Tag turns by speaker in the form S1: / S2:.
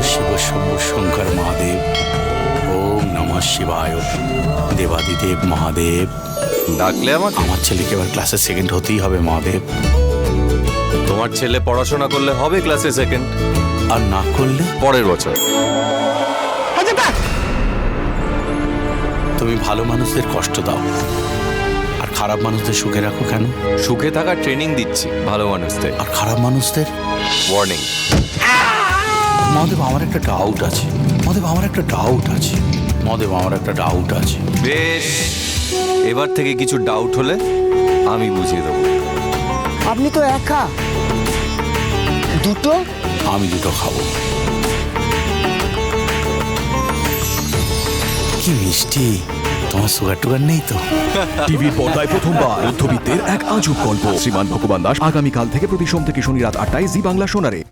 S1: শিব শম্ভু শঙ্কর মহাদেব। ওম নমঃ শিবায়। দেবাদিদেব মহাদেব।
S2: ডাকলে আমাকে?
S1: আমার ছেলেকে এবার ক্লাসে সেকেন্ড হতেই হবে মহাদেব।
S2: তোমার ছেলে পড়াশোনা করলে হবে ক্লাসে সেকেন্ড,
S1: আর না করলে
S2: পরের বছর।
S1: তুমি ভালো মানুষদের কষ্ট দাও আর খারাপ মানুষদের সুখে রাখো কেন?
S2: সুখে থাকার ট্রেনিং দিচ্ছি ভালো মানুষদের।
S1: আর খারাপ মানুষদের
S2: ওয়ার্নিং।
S1: মহাদেব আমার একটা ডাউট আছে।
S2: বেশ, এবার থেকে কিছু ডাউট হলে আমি বুঝিয়ে দেবো।
S3: আপনি তো একা, দুটো
S1: আমি দুটো খাবো। কি মিষ্টি, তোমার সুগার টুগার নেই তো?
S4: টিভির পর্দায় প্রথমবার মধ্যবিত্তের এক আজব গল্প। শ্রীমান ভগবান দাস আগামীকাল থেকে প্রতি সোম থেকে শনি রাত ৮টায় জি বাংলা সোনারে।